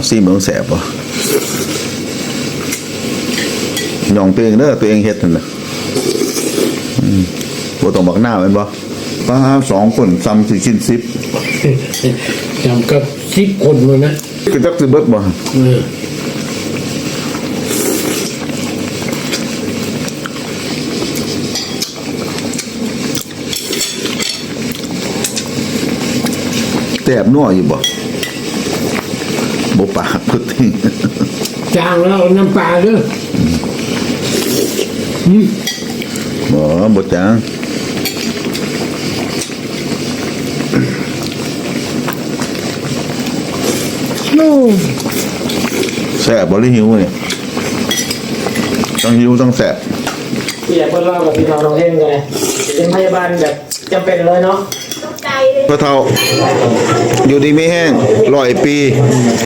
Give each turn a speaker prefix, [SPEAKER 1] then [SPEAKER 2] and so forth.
[SPEAKER 1] ซีเมืองแสบป่ะย่องตัวเองเด้อตัวเองเฮ็ดนั่นแหละบ่ต้องบักหน้าเป็นบ่ป้า2 คนซ้ำสิชิ้น10
[SPEAKER 2] จำกับ10 คนเลยนะ
[SPEAKER 1] คือจักสิเบิดบ่แซ่บนัวอยู่บ่ปากพุดทิ้ง
[SPEAKER 2] จางแล้วน้ำปลาด้วย
[SPEAKER 1] บ่จางแซ่บบ่หรือหิวเนี่ยต้องหิวต้องแซ่บ
[SPEAKER 3] พี่อยากเพิ่นเล่ากับพี่น้องน้องเท่งกันเลยเป็นพยาบาลแบบจำเป็นเลยเนาะ
[SPEAKER 1] พระเฒ่าอยู่ดีไม่แห้ง100 ปี